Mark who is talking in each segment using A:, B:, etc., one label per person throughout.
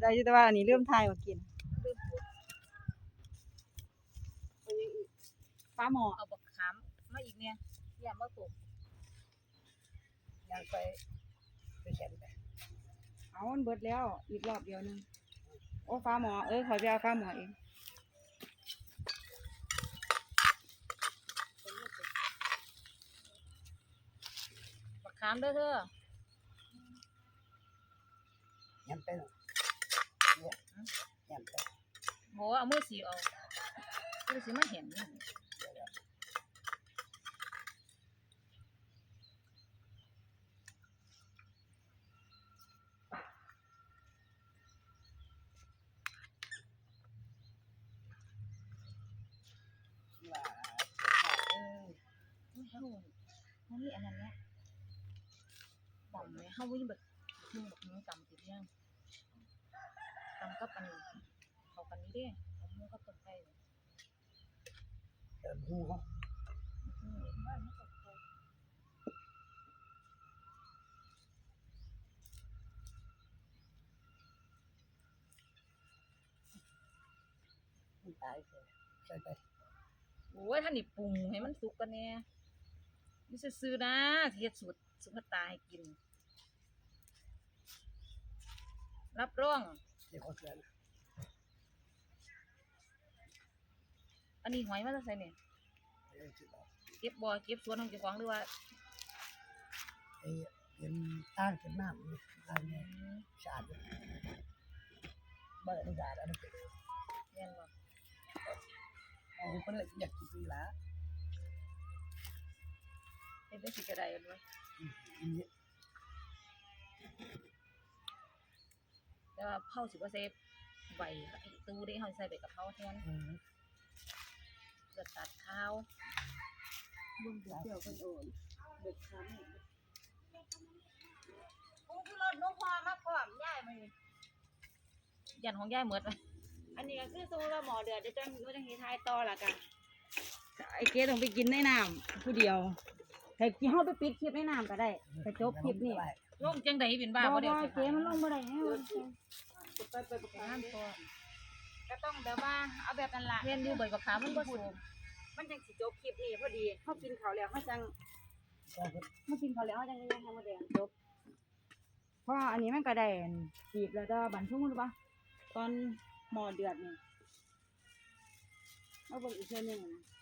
A: ได้อยู่แต่ว่าอันนี้เริ่มทายว่ากินปลาหมอ
B: เอาบักขามมาอีกเนี่ยอย่ามาตก
C: ยังไปเขียนไป
A: เอามันเบิดแล้วอีกรอบเดียวนึงโอ้ปลาหมอขอไปเอาปลาหมอเอง
B: บักขามเด้อเธอ
C: ยังไปเนี่ยยังไป
B: บอกว่าเอามือสีเอามือสีมาเห็นเขามีอันนั้นเนี่ยต่ำเนี่ยเขาวิ่งแบบมึงแบบมึงต่ำติดยังต่ำก็ปันเขากันนี้ดิเขามึงก็ต้นไก่
C: หูเขาตายใช่ไป
B: โอ้ยท่านนี่ปรุงให้มันสุกกันเนี่ยไม่ซื้อนะเฮ็ดสูตรสุขตาให้กินรับรอง
C: เดี๋ยวเขาเตือน
B: อันนี้หอยมาจากไสเนี่ยเก็บบ่อเก็บสวนของเจ้าของหรือว่า
C: เป็นตั้งเป็นน้ำตั้งเนี่ยสะอาดบ้านอนุญาตอันนี้เป็น
B: แม่นบ่
C: เอาไปเลยอยากกินปีละ
B: เป็นได้สิกระไดด้วยแต่ว่าเผาสิบ่ใส่ใบตู้ได้เฮาใส่ใบกะเพราแทนจะตัดข้าว
A: บุ้งเกี่ยวกันโอนเด็กค้ำ
B: กูคือรถน้องพอมาพร้อมย้ายมายันของย้ายหมดเลย
A: อันนี้ก็คือสมมติว่าหมอเดือดจะจังเฮ็ดทายต่อล่ะกันไอ้เก๋ต้องไปกินในน้ำผู้เดียวให้กินเฮาไปปิดคลิปในน้ำก็ได้ไปจบคลิปนี่
B: ลงจังได๋เป็นบ้า
A: บ่
B: เดี๋ยว
A: เก๋มันลงบ่ได้แฮะไปประ
B: กันพอ
A: ก็ต้องแบบว่าเอาแบบนั้นล่ะ
B: เรียนอยู่ใบบักขามมันบ่สูง
A: มันจังสิจบคลิปนี้พอดีเฮากินข้าวแล้วเฮาจังกินข้าวแล้วเฮาจังยังทำบ่ได้จบเพราะอันนี้มันก็ได้จีบแล้วก็บันทุ่งรู้ป่ะตอนหม้อเดือดนี่เอาเบิ่งอีกเทื่อนึง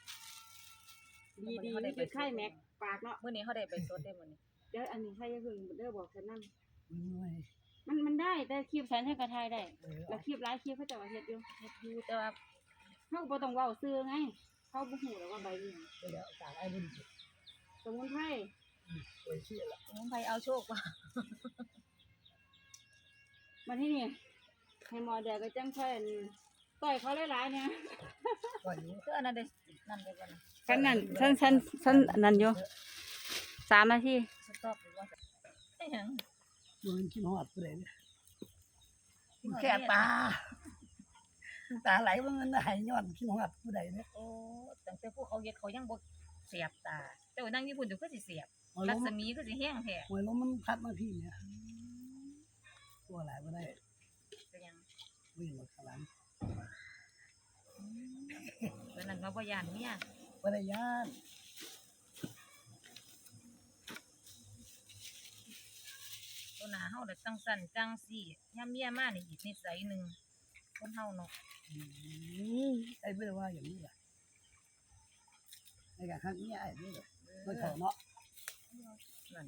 A: ดีคือไข่แม็กปากเนาะ
B: มื้อนี้เฮาได้ไปสดได้มื้อนี้
A: เดี๋ยวอันนี้ใครจะเพิ่งเด้อบอกฉันนั่นมันได้แต่คลิปฉันให้กระทายได้แล้วคลิปหลายคลิปเขาจะมาเฮ็ดอยู่
B: แต่ว่า
A: เฮาบ่ต้องเว้าซื่อไงเขาบ่ฮู้แล้วว่าใบนี้
C: เดี๋ยวต่างไอ้บุญ
A: สมุนไพร
C: โอ้ยเชื่อละ
B: สมุนไพรเอาโชคว่ะ
A: มาที่นี่ให้หมอเดือดก็จังค่อยต่อยเขาหลายๆเนี่ย
C: ต่อยอยู่
B: คืออันนั้นได้นั่นได้บ่
A: กันนั่นฉันนั่นอยู่3 นาที
B: สต็อปหรือว่าได้หยัง
C: บ่มันกินฮอดผู้ใดเนี่ยแค่ตาไหลว่ามันหายย้อนกินฮอดผู้ใดเนี่ย
B: โอ้ตั้งแต่พวกเขาเฮ็ดเขายังบ่เสียบตาแต่ว่านั่งญี่ปุ่นอยู่คือสิเสียบรัศมีคือสิแห้งแท้
C: หวยลมมันพัดมาพี่เนี่ยตัวหลายบ่ได้
B: เป็นหยัง
C: วิ่งรถข้างหลัง
B: ตอนนั้นเราบ่ย่านเมีย
C: บ่ได้ย่าน
B: ตัวหน้าเฮาได้จังสั่นจังซี่ยามเมียมานี่อีกนิสัยนึงคนเฮาเนาะ
C: ไอ้ไม่ได้ว่าอย่างนี้ล่ะไอ้กะฮักเมียไอ้นี่มันเฒ่าเนาะ
B: นั่น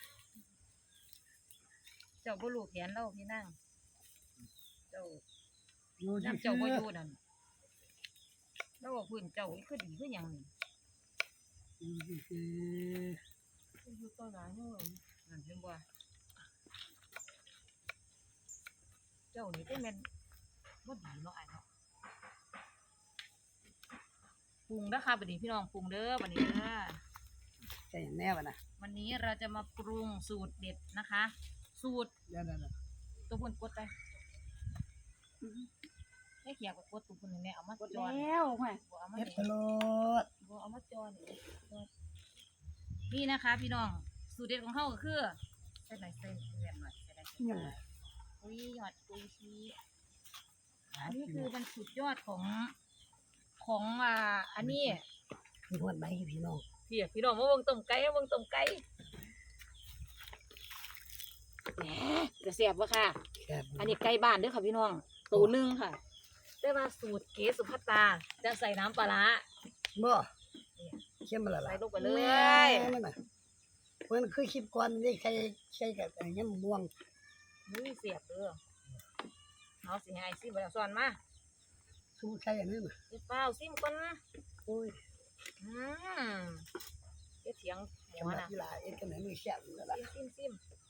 B: เจ้าบ่รู้แผนเราพี่นางเจ้าน้ำเจ้าบ่อยู่นั่นแล้วว่าพื้นเจ้าคือดีคือหยังนี่อยู่ต่อหน้าเฮานั่นเห็นบ่เจ้านี่เป็นแม่นบ่ดีเนาะอ้ายเนาะปรุงนะคะบัดนี้พี่น้องปรุงเด้อบัดนี้เด้อ
C: ใช่แน่วะนะ
B: วันนี้เราจะมาปรุงสูตรเด็ดนะคะสูตร
C: เดี๋ยว
B: ตัวพุ่นกดไปให้เขียกกดตัวพุ่นนี่เอามาจอ
A: แล้วห่วย
B: บ่เอามา
C: เฮ็ดตลอด
B: บ่เอามาจอนี่นะคะพี่น้องสูตรเด็ดของเฮาก็คือใส่หน่อยใส่แหวนหน่อยใส่ได้
C: ยังไง
B: ผปุยยอดปุยชีอันนี้คือมันสุดยอดของอันนี้
C: พี่ฮอดไหมพี่น้อง
B: พี่น้องมาเบิ่งต้มไก่มาเบิ่งต้มไก่แหมจะแซ่บบ่ค่ะ
C: แซ่บ
B: อันนี้ไก่บ้านเด้อค่ะพี่น้องตัวหนึงค่ะแต่ว่าสูตรเก๋สุภัตตาจะใส่น้ำปลาร้า
C: บ่เข้มมาละ
B: ใส่
C: ล่ะ
B: ลงไปเลย
C: มันน่ะมันคือคลิปก่อนนี่ใช้กับยำม่วง
B: นี่เสียบเด้อเอาสิให้ซิมบ่แล้วสอนมา
C: สู้ใช้อันนั้นน่ะ
B: เดี๋ยวเปล่าซิมก่อนนะ
C: โอ้ย
B: อืมเดี๋ยวเถียงหั
C: กำ
B: ว
C: ลัง
B: น่ะ
C: กีฬาเอ็ดกันไหนมือแซ่บนั่นล่ะ
B: ซิม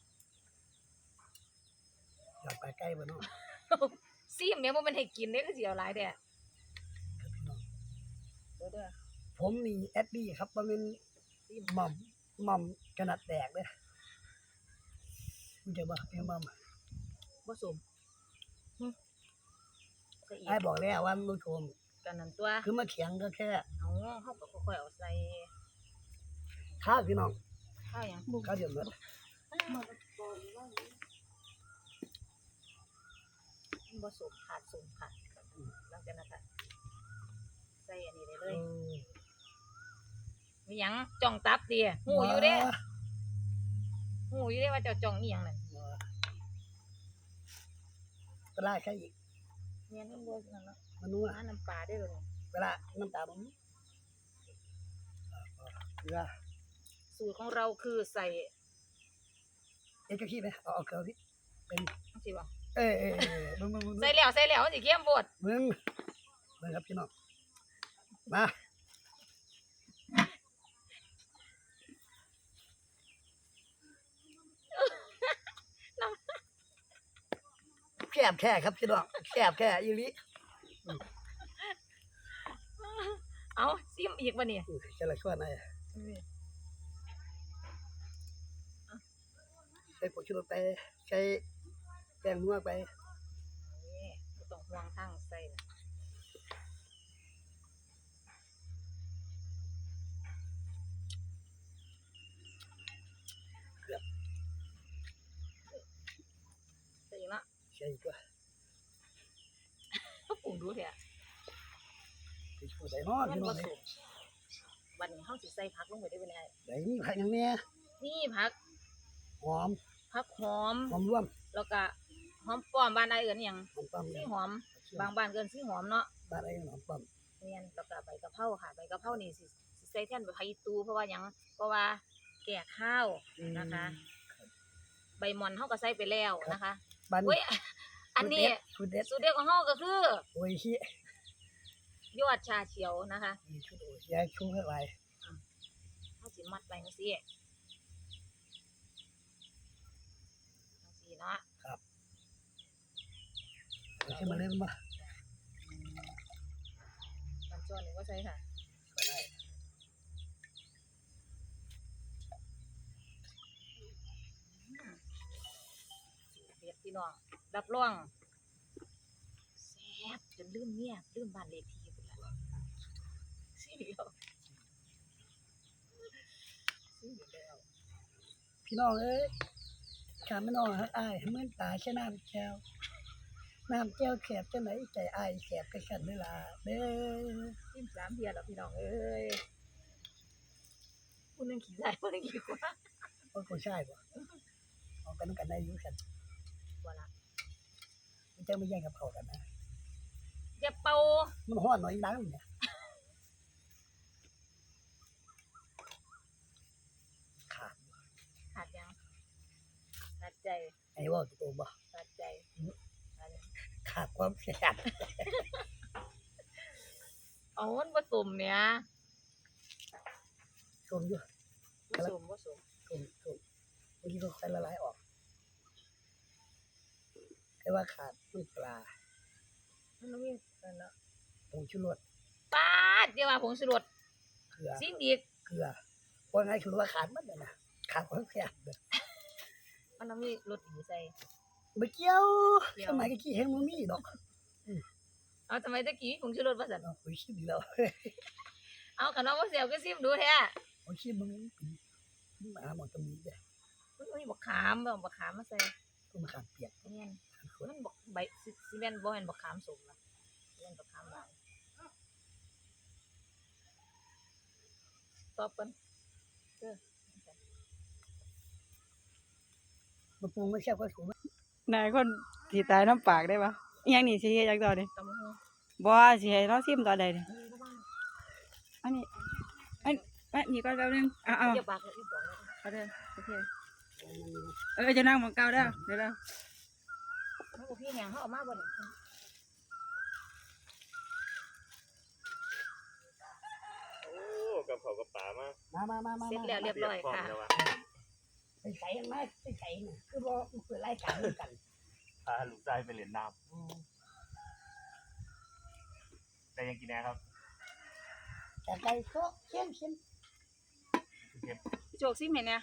C: อยากไปใกล้บ่เนาะ
B: ซิมแม่บ่แม่นให้กินเด้อคือสิเอาหลายแท้
C: ครับพี่น้อง
B: เด้อ
C: ผมนี่แอดดี้ครับบ่แม่น
B: ซิม
C: หม่อมขนาดแตกเด้อคุณจะบ่เป็นหม่อม
B: บ่สมใส่อีก
C: ไอ้บอกแล้วว่ามันชม
B: กันนั่นตัว
C: คือมาเถียงก็แค่
B: เอาเฮาก็ค่อยๆเอาใส่
C: ข้าวพี่น้อง
B: ข้าวหยัง
C: ข้าวเดือดหมด
B: บ่สมขาดสมค่ะหลังจากนั้นก็ใส่อันนี้ได้เลยมีหยังจ้องตับติหูอยู่เด้ว่าเจ้าจ้องอีหยังนั่น
C: เวลาใครอีก
B: แม่นมันบ่นั่นเนาะ
C: มันนัว
B: หาน้ำปลาได้อเลย
C: เวลาน้ำตาบ่มีเกลือ
B: สูตรของเราคือใส่
C: เอ็ดกะขี้ไหมเอาเกลือพี่เป็น
B: จังซี่บ่
C: มึง
B: ใส่แล้วมันสิเค็มโพด
C: มึงครับพี่น้องมาแคบแค่ครับพี่น้องแคบแค่อีหลี
B: เอาซิมอีกบ่นี่
C: จะละชวนหน่อยใส่ผงชูรสไปใช้แป้งนัวไป
B: นี่บ่ต้องห่วงทางใส่น่ะใส่อีกเนาะ
C: ใช่ตัว
B: ก็ปรุงดูแท้
C: ไปช่วยได้เนาะ
B: มัน
C: พี่น้
B: บ่
C: อง
B: สุกบัดนี้เฮาสิใส่ผักลงไปได้บ่ได้
C: ได้นี่ผักอย่างเนี้ย
B: นี่ผัก
C: หอม
B: ผักหอม
C: หอมร่วม
B: แล้วก็หอมป้อมบ้านใดเอิ้นหยัง
C: หอมปั๊ม
B: สีหอมบางบ้านเอิ้นสีหอมเนาะ
C: บ้านไอ้หอมปั๊ม
B: แม่นแล้วก็ใบกะเพราค่ะใบกะเพรานี่สิใส่แทนใบไผ่ตูเพราะว่าหยังเพราะว่าแก่ข้าวนะคะ ใบหม่อนเฮาก็ใส่ไปแล้วนะคะ
C: บ้าน
B: เว้ยอันนี้
C: ชุดเด็ด
B: สูตรเด็ดของเฮาก็คือ
C: โอ้ยชิ
B: ยอดชาเขียวนะคะ
C: มีชุดโอ้ยยายชุ่มให้ไว้
B: เฮาสิมัดไว้จังซี่เนาะ
C: ขึ้นมาเล่นมา
B: กันจ้อนนี่ว่าใส่ค่ะ
C: ได้
B: เด็ดพี่น้องรับรองแซ่บจนลืมเมียลืมบ้านเลขที่พุ่นล่ะสิเดียวสิเดียว
C: พี่น้องเอ้ยขาไม่น้องฮักอายเหมือนตาแค่น้ำแก้วน้ำแก้วแคบจังไหนใจอายแคบไปกันเวลาเด้อ
B: จิ้ม3เทียแล้วพี่น้องเอ้ยผู้หนึงขี้ได้ผู้หนึงขี้กว่า
C: โอ้ยคนใช่บ่เอากันกันได้อยู่กัน
B: บ่ล่ะ
C: มันจะไม่แย่งกับเขากันนะ
B: อย่าเป่า
C: มันห้อนหน่อยนังเนี่ยขาด
B: ขาดยังขาดใจ
C: ไอ้ว่าตัวบ่
B: ขาดใจอันนี้
C: ขาดความแสบ
B: เอามันผสมเนี่ย
C: ชมอยู่
B: ผสม
C: ชมเมื่อกี้ก็ค่อยละลายออกแต่ว่าขาดน้ำปลา
B: มันต้องมีนั่นเนาะ
C: ผงชูรส
B: ปาดเดี๋ยวว่าผงชูรส
C: เกลือ
B: ซิมอีก
C: เกลือว่าไงคือว่าขาดมันเลยนะขาดความแสบเลย
B: มันต้องมีรสดีใส่
C: ไม่เกี่ยวสมัยกี้เห็นมันมีดอก
B: เอาทำไมตะกี้ผงชูรสว่าซั่น
C: โอ้ยชิมดีแล้ว
B: เอาขนมบ่เสียวก็ซิมดูแท้
C: โอ้ยชิมมันเป็นหมาหมดตรงนี้เลย
B: มันมีบักขามบ่บักขามมาใส่
C: ต้นมะขามเปียก
B: เนี่ย
C: ข
B: มันบอกใบซีเมนต์บ่แม่นบักขามสมนะซีเมนต์บักขามหวานตอบกันเด้อ
C: บ่ปรุงไม่แซ่บก็ถูก
A: นายคนสิตายน้ำปากได้ปะอีหยังนี่สิเฮ็ดจังต่อดิ
B: ตำบักหุ่ง
A: บ่สิให้เราซิมตอนใดนี่อันนี้นี่ก่อนแป๊บนึงเอา
B: เดี๋ยวปากเดี๋ยวบอกแล้ว
A: เอาเด้อโอเคจะนั่งหมองเก่าเด้อเดี๋ยว
B: มันบ่พี่แหงเฮาเอามาบ่เนี่ย
D: โอ้กับเขากับป่ามา
C: มา
B: เสร็จแล้วเรียบร้อยค่ะ
D: เตมพมแล้วว
C: ไปใส่ยังไงไปใส่น่ะคือบ่เปิดรายการกัน
D: พาลูกชายไปเล่นน้ำแต่ยังกินแน่ครับ
C: แต่ไก่โซเข้ม
D: เก็บ
B: พี่โจกซิมเห็นเนี่ย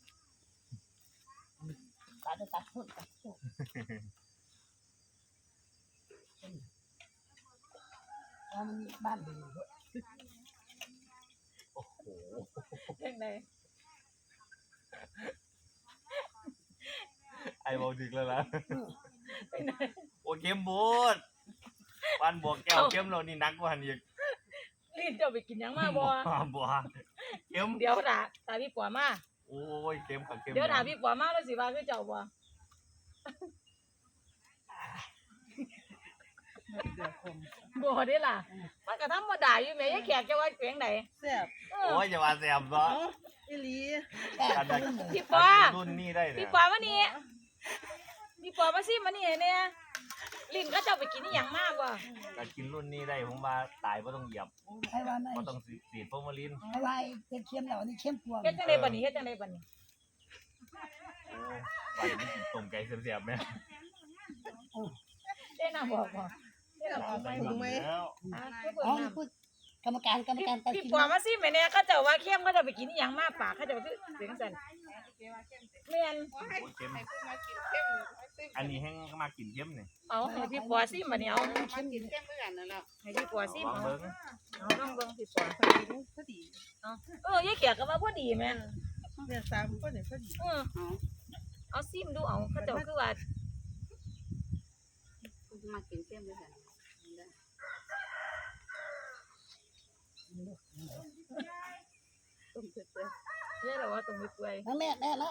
C: ตัดพุ่นตัดพุ่นมันบ้านดีด้วย
D: โอ้โห
B: จังได๋
D: ไอ้บอกดึกแล้วล่ะ
B: ไปไหน
D: โอ้เกมบูดวันบวกแก้วเกมเรานี่นักกว่านี้
B: รีบเจ้าไปกินหยังมาบ่
D: บัวเกม
B: เดี๋ยวตาพี่ปัวมา
D: โอ้ยเกมกับเกม
B: เดี๋ยวถามพี่ปัวมาแล้วสิว่าคือเจ้าบ่บ่ได้ล่ะมันก็ธรรมดาอยู่แม่ยายแขกจะว่าเสียงไหน
A: แซ่บ
B: เอ
D: โอ้
B: อย
D: อย่าว่าแสบซะ
A: อีหลี
D: อันนั้น
B: พี่ปัว
D: รุ่นนี้ได้เนี่
B: พี่
D: ย
B: ปัวมานี่พี่ปัวมาซิมานี่เนี่ยลิ้นก็เจ้าไปกินอีหยังมาบ่
D: แต่กินรุ่นนี้ได้ผมว่าตายเพราะต้องเหยียบ
C: ให้ว่าไหน
D: เพราะต้องสีดฟอร์มาลิน
C: ให้ว่าเป็นเข้มแล้วนี่เข้มกว่า
B: เฮ็ดจังได๋บัดนี้เฮ็ดจังได๋บัดนี้
D: ไปไม่กินต้มไก่เสียบๆไหม
B: ได้น้ำบ่บ่ได้น้ำบ่
D: ไปหมดแล้ว
B: คือเปิด
C: อ๋อ
B: น้ำ
C: พูดกรรมการตัด
B: พี่
C: สิน
B: ปัวมาซิแม่เนี่ยเขาเจ้าว่าเข้มเขาเจ้าไปกินอีหยังมาปากเขาเจ้าคือเสียงสั่นแม่น
D: โอ้ยเค็มอันนี้แห้งมากินเค็มเนี่ย
B: เอาให้พี่ปัวซิบัดนี้เอา
C: เข้มดี
B: ให้พี่ปัวซิ
D: ลอง
B: เอา
D: เบิ้ง
B: เอาลองเบิ่งพี่ปัวเอายายแขกก็ว่าบ่ดีแม่
A: เนี่ย3คนเนี่ยพอดี
B: เอาซิมดูเอาเขาเจ้าคือว่า
E: มากินเข้มด้วยกัน
B: ต้มเปื่อยๆยายเราว่าต้มเปื่อย
C: นะแม่นะ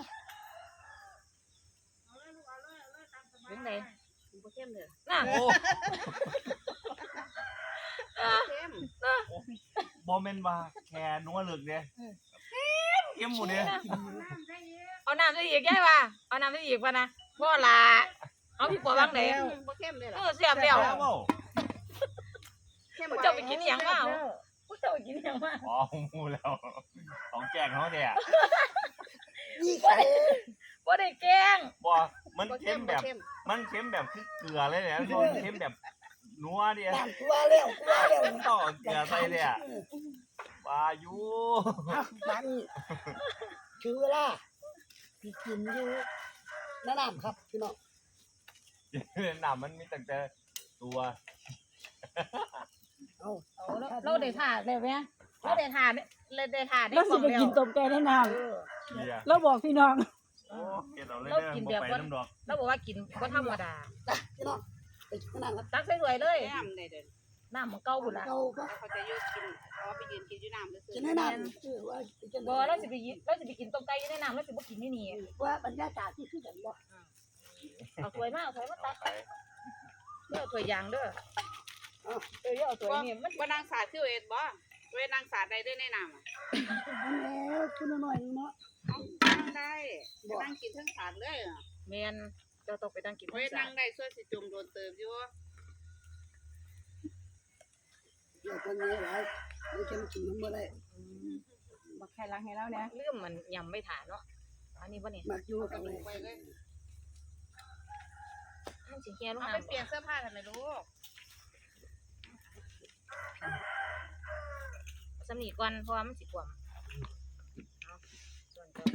B: ๆเป็นไง
E: บ่เข้มเลย
B: น่ะ
D: โอ้
E: เข้ม
D: บอมเมนว่าแค่นัวเลือกเนี่ยเค็มหมดเนี่ย
B: เอาน้ำใส่อีกยายว่าเอาน้ำใส่อีกป่ะนะบ่ล่ะเอาพี่ปัววางไหน
E: บ่เข้มเลย
B: เอ
E: ล่ะ
B: อเสียบแล้ว
D: แล้วเปล่า
E: เข้ม
B: ผู้เจ้าไปกินอีหยังมาเอาผู้เจ้าไปกินอีหยังมา
D: อ๋อมูแล้วของแกงเขาเนี่ย
C: นี่ใส่
B: บ่ได้แกล้ง
D: บ่มัน
E: บ่
D: เค็มแบบ
E: เข้ม
D: มันเค็มแบบคือเกลือเลยเนี่ยโดนเค็มแบบนัวเดียว
C: น้ำกลัวแล้ว
D: ต่อเกลือใส่เลยอ่ะวายุ
C: บ้านคือเวลาพี่กินอยู่น้ำครับพี่น้อง
D: น้ำมันมีตั้งแต่ตัว
C: เอา
B: เราได้ท่าได้ไหมเราได้ท่าได้ท่าได้
A: เรา
B: ข
A: สิ
B: อง
A: ไป
B: แล้ว
A: กินต้มไก่ในน้
D: เกีย
A: ำเราบอกพี่น้อง
D: โอ้เกินเอาเลยเด้อบ่ไปน้ำดอก
B: เราบอกว่ากินก็ธรรมดา
C: พี่น้องไปกินน้ำครับ
B: ตักใส่ถ้วยเลย
E: น้ำได้เด้อ
B: น้ำมันเก่าพุ่นล่ะ
C: เราก็
E: แล้วเขาจะยกกินเอาไปยืนกินอยู่น้ำซื่
C: กิ
E: อน
C: ให้น้ำคือว่าจะ
B: บ่เราสิไปกินต้มไก่อยู่ในน้ำเราสิบ่กินนี่นี่
C: ว่าบรรยากาศที่คือกันบ่
B: เอาถ้วยมาเอาถ้วยมาตัก
D: ไป
B: เด้อถ้วยยางเด้อเอาถ้วยนี่มัน
E: บ่นางสาดคือเอ็ดบ่เวนางสาดได้ด้วยในน้ำอ่ะ
C: มันแล้วคุณหน่อยเนาะ
E: นั่งได้นั่งกินทั้งสาดเลยอ่ะ
B: แม่นเจ้าต้องไปนั่งกิน
E: เว้ยนั่งได้ส่วนสิจุ่มโดนเติมอยู่
C: เดี๋ยวคนนี้หลายไม่เข้มกินมันบ่ได้
A: บอกใครล้างให้เราเนี่ย
B: ลืมมันยำไม่ถ่าเนาะอันนี้บ่นี่
C: มักอยู่กับเลย
E: ไปเลย
B: มันสิแก่ลง
E: เอา
B: น้ำ
E: ไปเปลี่ยนเสื้อผ้าทำไมลูก
B: สำนีก่อนเพราะว่ามันสิกวมเอาส่วนเจ้า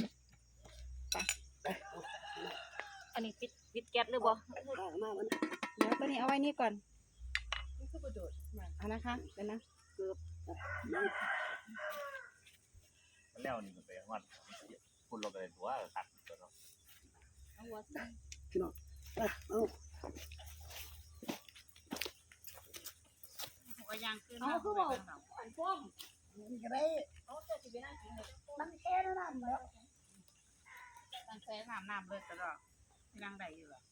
B: อันนี้ปิดแก๊สหรือบ่
C: ออกมามัน
A: เดี๋ยวตัวนี้เอาไว้นี่ก่อนเอานะคะเดี๋ยวนะ
D: แล้วนี่มันไปวัดคุณลงไปตัวตัดตัวเนาะ
C: พี่น้องเอา
E: ก็ยังขึ้น
A: เอาคือบอกอันฟ้อง
C: มันก็ได้
A: เอาเจ้าสิไปนั่งกินเลย
C: มันแค่นั้นแล้ว
E: ตั้งแต่น้ำเบิดตลอดยังได้อยู่หรอ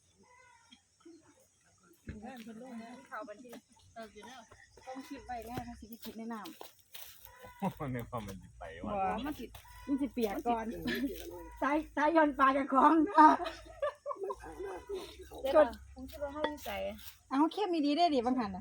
E: เข้าบัญชีอยู่เนอะ
A: ต้องคิดไว้แน่ถ้าสิไปคิดในน้ำ
D: ในความมันสิไป
A: บ่
D: ว่า
A: มันสิเปียกก่อนตายย้อนปลากับของอ่ะ
B: กดผมคิดว่าเฮาวิสัย
A: เอาเข้มมีดีได้ดิบางหันน่ะ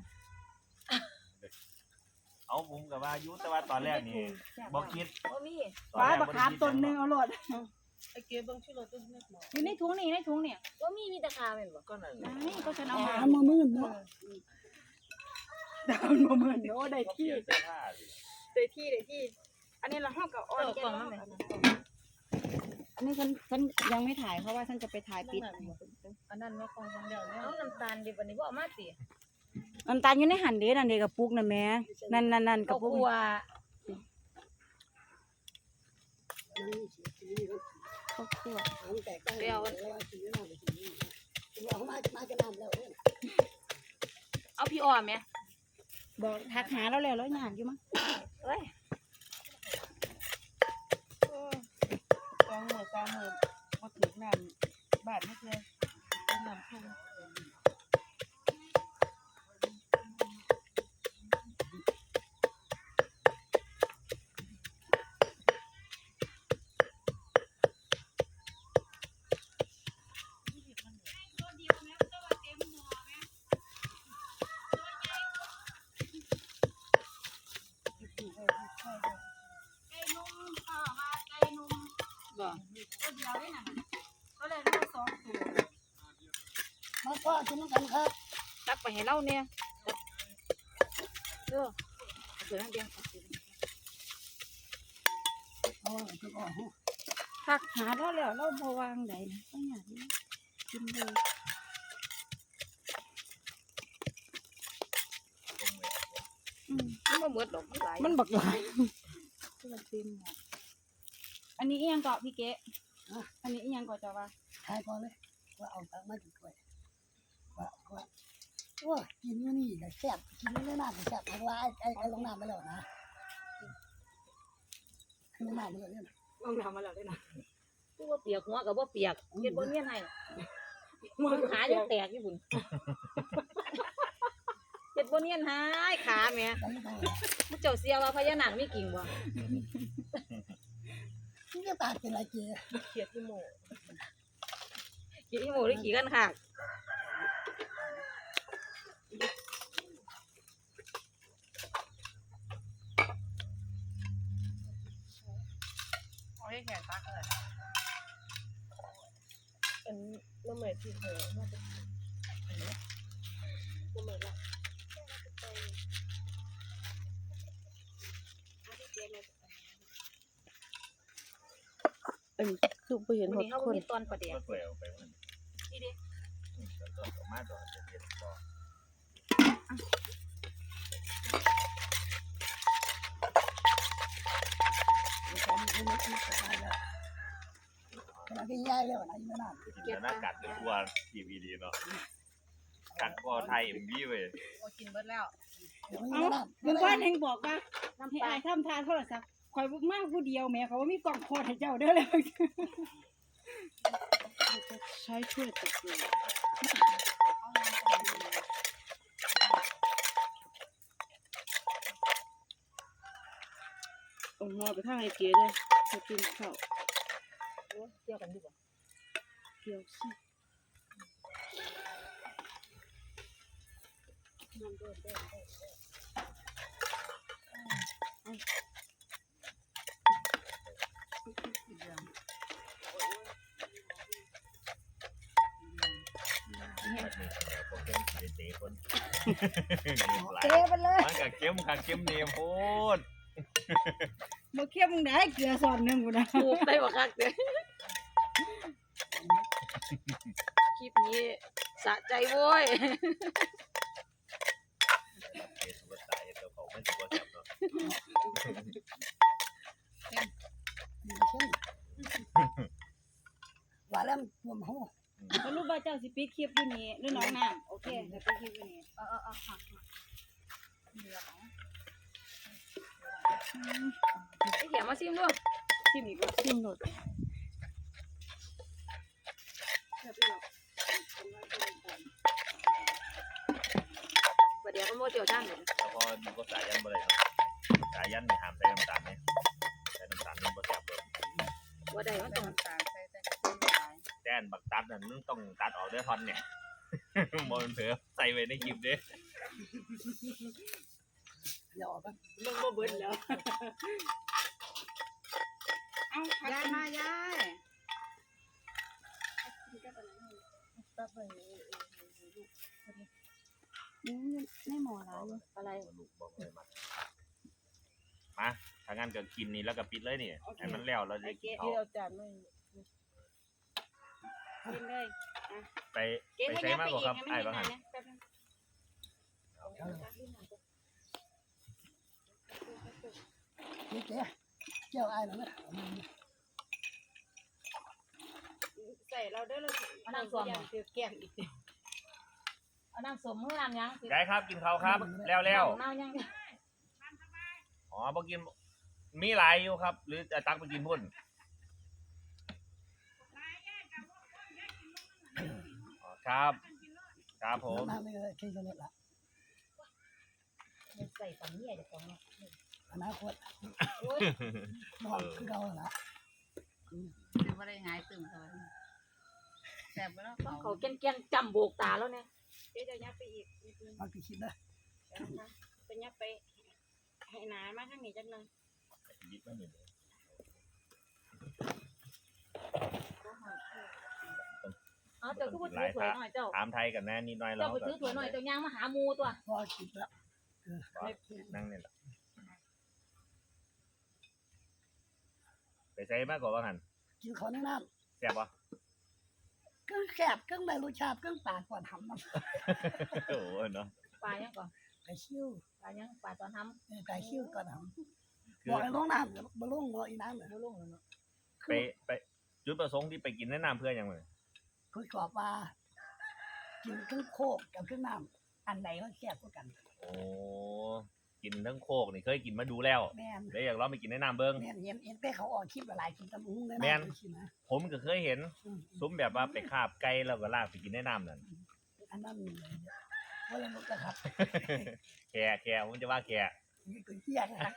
D: เอาผมกับว่ายุแต่ว่าตอนแรกนี่บ่คิด
B: บ่มี
D: ตอน
A: ปลา
D: แรก
A: บักขามต้นหนึงเอาโลด
E: ไอ้เก็บเบิ่งชื่อรถตู้เนี่ยหมอ
A: อยู่ในถุงนี่ในถุงเนี่ย
B: บ่มีแตะคาแม่นบ่
D: ก็นั่น
A: นี่ก็ฉันเอามา
C: หามามื่นเนาะ
A: ดาวน์มาเหมือนโอ้ได้
D: ก็เป
A: ที่
D: ลี่ยนเสื้อผ้าสิ
A: ได้ที่อันนี้เราห้องกับอ้อน
B: กล่องนั่นแหละ
A: อันนี้ฉันยังไม่ถ่ายเพราะว่าฉันจะไปถ่ายปิด
E: อันนั้นว่าของเดียวเนี่ย
B: เอาน้ำตาลดิบัดนี้บ่เอามาติ
A: น้ำตาลอยู่ในหันเด้นั่นเด้กับปุกนั่นแม่นั่นกั
B: ก็
A: บปุก
B: กลัว
A: ข้าวคั่ว
C: แตกต่างแล้วว่าสีน้ำสีเอามาจะน้ำแล้ว
B: เอาพี่อ้อมแม่
A: บอกทักหาเราแล้วอยากอยู่มั้ง
B: เอ้ย
E: 2 มื้อ 3 มื้อบ่ถึงน้ำบาทไม่เคยเป็นน้ำทุ่ง
A: บ่ตัวเดียวได้น่ะก็เลยได้2ตัว
C: มาพ่อกินกันครับ
B: ตักไปให้เราเนี่ยเด้อเอาตัวนั้นเดียว
C: เอาจะออก
A: ทักหาเราแล้วเราบ่วางใดนะต้องอยากกินเลย
B: มันบ่หมดดอกมันหลาย
A: มันบักหลายมันเต็มหมดอันนี้อีหยังเกาะพี่เก๋อันนี้อีหยังเกาะจ้าว่า
C: ทายก่อนเลยว่าเอาตังมาจุดไว้ว่ากินนี่ก็แซ่บกินนี่น่าจะแซ่บเพราะว่าไอ้ลงน้ำไปแล้วนะคือลงน้ำไปแล้วเนี่ย
A: ลองทำมาแล้วด้วยนะ
B: ผู้บ่เปียกหัวก็บ่เปียกเฮ็ดบ่เนียนให้ขายังแตกอยู่พุ่นเฮ็ดบ่เนียนหายขาแม่ผู้เจ้าเสียว่าพญานาคมีกิ่งบ่
C: นี่ก็ตาเป็นไรเจี๊ย
B: เขียดอีโมขี่อีโมหรือขี่กันค่ะ
E: เอาให้แขกตักเลย
B: เป็นน้ำใหม่ที่เธอน่าจะน้ำใหม่ละ
A: คือไปเห็น
B: วัน
A: หด
B: นี้เขา
A: คน
B: มีตอนประเดี๋ยว
D: ก็เปลี่ยนไปมัน
B: นี่ดิ
D: ก็มาตอนเย็นก็
C: ขณะที่ย้ายแล้วนะอยู่นั่น
D: กินหน้ากัดเป็นตัวทีวีดีเนาะกัดก็ไทยเอ็มวีเว้ย
E: โอ้กินเบิดแล้ว
A: เมื่อวานเฮงบอกว่าให้อายทำทานโทรศัพท์คอยบุกมากผู้เดียวแม่เขาว่ามีกล่องโคตรให้เจ้าเด้อเลยใช้ช่วยตะเกียบเอาหม้อไปทางไอ้เก๋เลยเขากินข้าว
B: เที่ยวกันดีกว่า
A: เกี่ยวสิเก๋ไปเลย
D: มันกับเข้มกับเข้มเนียมโคตร
A: บ่เคี่ยวมึงได้เกลือซอนหนึงกูนะ
B: ถูกได้บ่คักเด้อคลิปนี้สะใจโว้ย
D: สุดท้ายตัวเขาไม่ถือว่าแซ่บเนาะ
C: ว่าแล้วรวมหัว
A: สรุปว่าเจ้าสิปิดคลิปอยู่นี่หรือน้องน้ำโอเคจะปิดคลิปอยู่นี่ค่ะ
B: ไอ้เขียมาซิมด้วย
A: ชิมอีกแล้ว
E: ชิมหมด
B: ประเดี๋ยวมันโมเจียวด้านเลย
D: แล้วพอดูก็สายยันบ่ได้เนาะสายยันนี่ห้ามใส่น้ำตาลไหมใส่น้ำตาลมันบ่แซ่บเลย
B: ว่าใดมันต้อง
E: ต่างใส่แต่ก็ไม่หลาย
D: แต่อันบักตัดนั่นมึงต้องตัดออกเด้อท่อนเนี่ย บ่มันเผลอใส่ไว้ในคลิปเด้อ
C: อย่าออกกัน
A: มึงบ่เบิดแล้วเอายายมายาย
E: ตับไป
A: ไม่หมอแล้ว
B: อะไร
D: ลูกบอกเลยมาถ้างั้นก็กินนี่แล้วก็ปิดเลยนี่ให้มันแล้วเราจะกินข้าว
E: ที่เอาจานไม่
A: กินเลย
D: ไปใช้มากกว่าครับไอ้บ้างหัน
C: นี่เจ๊เจ้าอ้ายแล้วนะ
A: ใส่เราได้เลย
B: เอาน้ำส้ม
A: คือแก้มอีก
B: เอาน้ำส้มมือน้ำยัง
D: ยายครับกินข้าวครับแล้ว
B: น้ำยัง
D: อ๋อบ่กินมีหลายอยู่ครับ หรือจะตักไปกินพุ่นอ๋อครับครับผม
C: น้ำไม่เลยที่จะลดละ
B: ใส่ปังเนี่ยจะต้อง
C: อนาคตนอนคือเราละ
E: คือว่าได้หายตึมเขาแซ่บไปแล้ว
B: ต้องเขาแก่นจำโบกตาแล้วเนี่ย
A: เดี๋ยวจะยัดไปอีก
C: มันกี่ชิ้นนะ
A: ไปยัดไปให้หนามาข้างนี้จังเลย
B: เอาเจ้าก็ไปถือถวยหน่อยเจ้า
D: ถามไทยกันแน่นิดหน่อย
B: เจ้าไปถือถวยหน่อยเจ้าย่างมาหามูตัว
C: พอกินแล้ว
D: นั่งนี่แหละไปใช้มากกว่าว่าหัน
C: กินของในน้
D: แซ่บปะ
C: ำก็แสบก็ในรสชาติก็ปากก่อนทำน้
D: โอ้โหเนาะ
B: ปลายังก่อน
C: ำไปชิว
B: ปลายังปลาตอนท
C: ไปชิวก่อนท
D: คื
C: ำบอกให้ลงน้ำบ่ลงบ่อีน้ำเลย
B: ำลุ่งเลยเนาะ
D: ไปจุดประสงค์ที่ไปกินแนะนำเพื่อนยังไง
C: คุยกรอบว่ากินเครื่องโคกกับเครื่องน้ำอันไหนก็แซ่บกว่ากัน
D: โอ้กินทั้งโคกนี่เคยกินมาดูแล้ว
C: แม่น
D: เลยอยากลองไปกินแนะนำเบิ้ง
C: แม่นเห็นแต่เขาออกคลิปหลายคลิปตำอุ้งเลย
D: แม่
C: นะ
D: น
C: ชิมนะ
D: ผมก็เคยเห็นซุ้มแบบว่าไปคาบไก่แล้วก็ลากไปกินแนะนำนั่น
C: อันนั้นว่าเลยมุกนะครับ
D: แกผมจะว่าแก
C: นี่คือเหี้ยนะครับ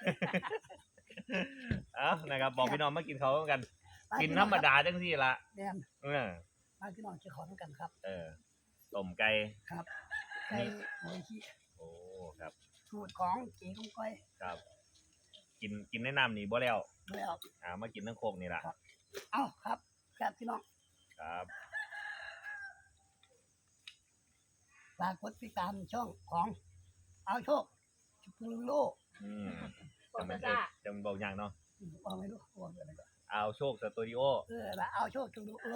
D: เอ้านะครับบอกพี่น้องมากินเขาวกัน กินธรรมดาจังสิละ
C: แม่น
D: เออ
C: มาพี่น้องจะขอต้องกันครับ
D: ต้มไก่
C: ครับไก่โอ้ยที่
D: โอ้ครับ
C: สูตรของเก๋กุ้งก้อย
D: ครับ กินแนะนำนี่บ่แล้ว
C: เลยเอา
D: มากินทั้งโคกนี่ละ
C: เอ้าครับครับพี่น้อง
D: ครับ
C: ฝากกดติดตามช่องของเอาโชคชุกุลโล
D: อืม
B: ปอ
D: จำ
B: ด
D: เป็น
B: จ้า
D: จำบอกอย่างเนาะ
C: บอกไม่รู้บอกอะไรก็
D: เอาโชคสตูดิโอ
C: ละเอาโชคชุกุลโล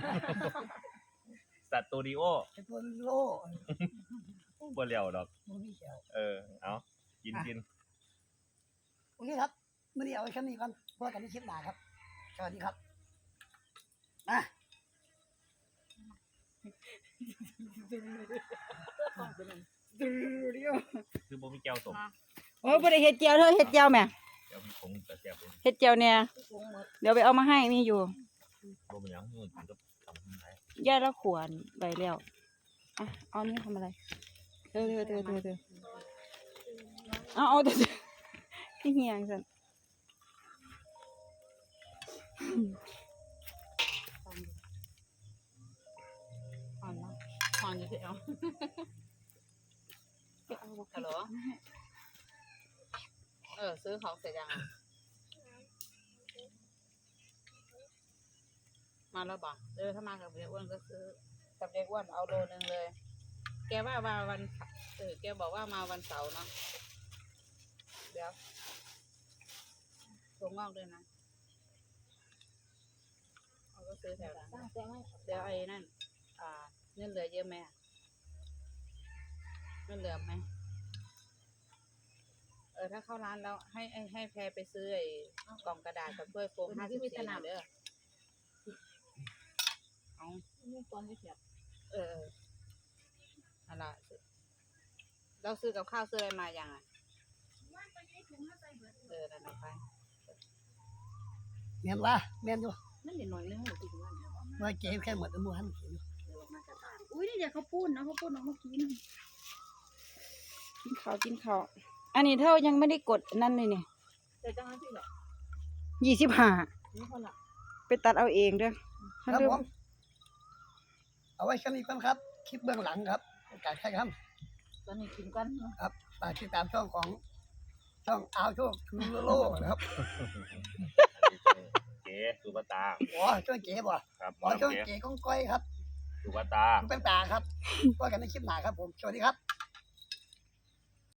D: สตูดิโอ
C: ชุกุลโล
D: บ่เลี้ยวดอก
C: มึงมีเขียว
D: เอากิน
C: โอเคครับมื่อนี้เอาไว้แค่นี้ก่อนพบกันในคลิปหน้าครับสวัสดีครับมา
D: คือบ่มีแก้วสม
A: โอ้ยบ่ได้เฮ็ดเจียวเธอเฮ็ดเจียวแม่
D: แก้วมีผงแต่แซ่บเลย
A: เฮ็ดเจียวเนี่ย
B: ปรุงหมด
A: เดี๋ยวไปเอามาให้มีอยู่
D: บ่เป็นหยังกินกับทำให้
A: ย่าละขวนใบแล้วอ่ะเอานี่ทำอะไรเธอเอาเธอพี่เฮียงสัน
E: อ่อนนะอ่อนอยู่ที่เอาฮัลโหลซื้อของเสร็จยังมาแล้วบ่ถ้ามากับเด็กอ้วนก็ซื้อกับเด็กอ้วนเอาโลนึงเลย แกว่าวันแกบอกว่ามาวันเสาร์เนาะเดี๋ยวถั่วงอกด้วยนะเอาก็ซื้อแถวนั้น
B: จ้าแจ้งไว้
E: เดี๋ยวไอ้นั่นเงินเหลือเยอะไหมเงินเหลือไหมถ้าเข้าร้านแล้วให้แพรไปซื้อไอ้กล่องกระดาษกับถ้วยโฟม50 เด้อเอานี่ตอนนี้เสียบอะไรเราซื้อกับข้าวซื้ออะไรมาอย่างอ่ะนั่นเอาไป
C: แม่นว่าแม่นอยู่
E: นั่นเดี๋ยวหน่อยนึงหนูติดว่า
C: ว่าเจ๊แค่หมดแล้วหมู่หันกิน
A: อุ้ยนี่เดี๋ยวเขาปุ้นนะเขาปุ้นออกมากินกินข้าวอันนี้เท่ายังไม่ได้กดนั่นเลยเนี่ย
E: แต่จังนั้นสิเหรอ
A: 25
E: นี่คนละ
A: ไปตัดเอาเองเด้อ
C: ครับผมเอาไว้แค่นี้ก่อนครับคลิปเบื้องหลังครับการใช้ครับ
E: ตอนนี้กินกันเนาะ
C: ครับฝากติดตามช่องของช่องอาวโชคคือโลนะครับ
D: เก๋สุภาตา
C: อ๋อช่องเก๋บ่
D: ครับ
C: อ๋อช่อง
D: เก๋
C: เก๋ก้องก้อยครับ
D: สุภาตา
C: เป็นตาครับว่ากันในคลิปหน้าครับผมสวัสดีครับ